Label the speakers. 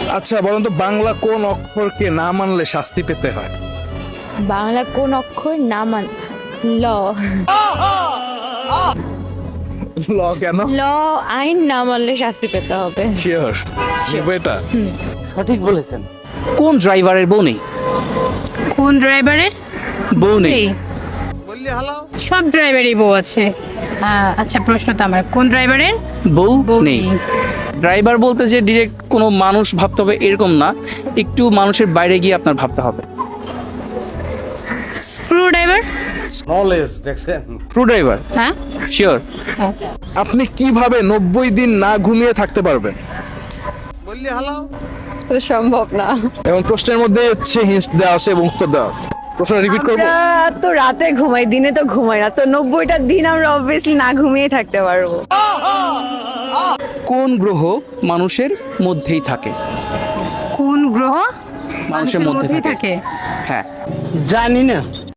Speaker 1: আচ্ছা বলুন তো, বাংলা কোন অক্ষরকে না মানলে শাস্তি পেতে হয়?
Speaker 2: বাংলা কোন অক্ষর না মান ল
Speaker 1: ল কেন?
Speaker 2: ল আইন না মানলে শাস্তি পেতে হবে।
Speaker 1: শিওর এটা?
Speaker 3: সঠিক বলেছেন। কোন ড্রাইভারের বউ নেই?
Speaker 4: কোন ড্রাইভারের
Speaker 3: বউ নেই।
Speaker 4: এই, সব ড্রাইভারই বউ আছে। আচ্ছা, প্রশ্ন তো আমার, কোন ড্রাইভারের
Speaker 3: বউ
Speaker 4: বউ
Speaker 3: নেই।
Speaker 4: নেই?
Speaker 3: ড্রাইভার বলতে যে ডিরেক্ট কোনো মানুষ ভাবতে হবে এরকম না, একটু মানুষের বাইরে গিয়ে আপনার ভাবতে হবে।
Speaker 4: Screwdriver?
Speaker 3: True driver?
Speaker 4: হ্যাঁ।
Speaker 3: শিওর।
Speaker 1: আপনি কিভাবে 90 দিন না ঘুমিয়ে থাকতে পারবেন?
Speaker 2: সম্ভব না।
Speaker 1: এবং প্রশ্নের মধ্যে হচ্ছে হিন্টস দেওয়া আছে এবং উত্তর দেওয়া আছে। প্রশ্ন রিপিট করবো?
Speaker 2: তো রাতে ঘুমাই, দিনে তো ঘুমাই না, তো 90টা দিন আমরা অবভিয়াসলি না ঘুমিয়ে থাকতে পারবো।
Speaker 3: কোন গ্রহ মানুষের মধ্যেই থাকে?
Speaker 4: কোন গ্রহ
Speaker 3: মানুষের মধ্যে থাকে।
Speaker 4: থাকে?
Speaker 3: হ্যাঁ।
Speaker 5: জানি না।